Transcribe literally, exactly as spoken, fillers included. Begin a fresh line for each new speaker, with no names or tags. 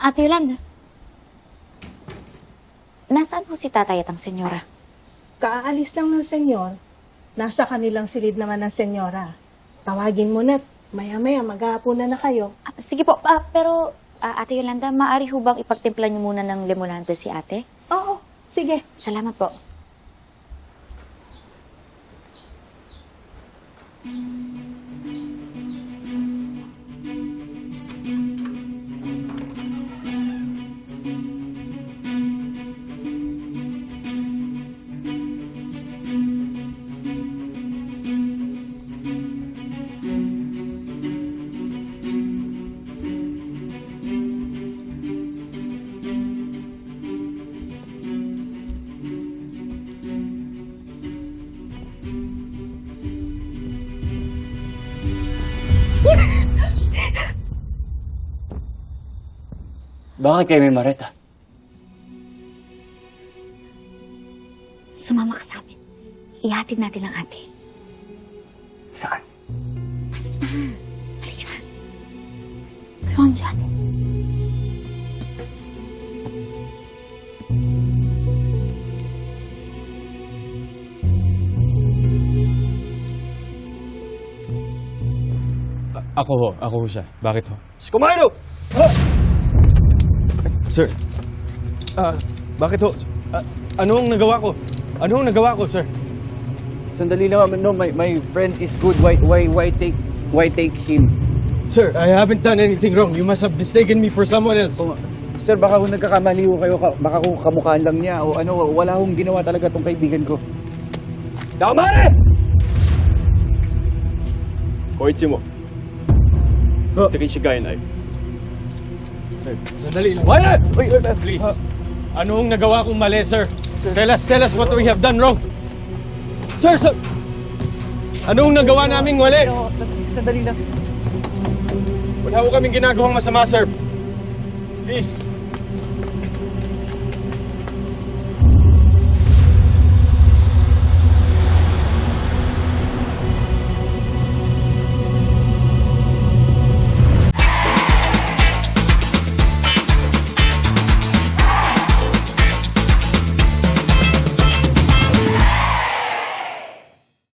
Ate Yolanda, nasaan po si tatay at ang senyora?
Kaalis lang ng senyor. Nasa kanilang silid naman ng senyora. Tawagin mo na. Maya-maya, maghahaponan na kayo.
Ah, sige po, ah, pero ah, Ate Yolanda, maaari ho bang ipagtimpla niyo muna ng limonada si ate?
Oo, sige.
Salamat po.
Bakit kayo may Mareta?
Sumama ka sa amin. Ihatid natin ang ate.
Saan?
Basta. Halika na. Come on, Janice.
Ako ho, ako ho siya. Bakit ho?
Kumain
Sir, ah, bakit ho? Ah, anong nagawa ko? Anong nagawa ko, sir?
Sandali lang, no, my, my friend is good. Why, why, why take, why take him?
Sir, I haven't done anything wrong. You must have mistaken me for someone else.
Kung, sir, baka kung nagkakamali ho kayo, ka- baka kung kamukhaan lang niya o ano, wala hong ginawa talaga tong kaibigan ko.
Tama na!
Koichi mo.
Oh.
Takichigai nai.
Sir, sandali lang. Wala!
Uy,
Sir, please. Anong nagawa kong mali, sir? Tell us, tell us what we have done wrong. Sir, sir! Anong nagawa naming mali?
Ano, sandali lang.
Wala ko kaming ginagawang masama, sir. Please.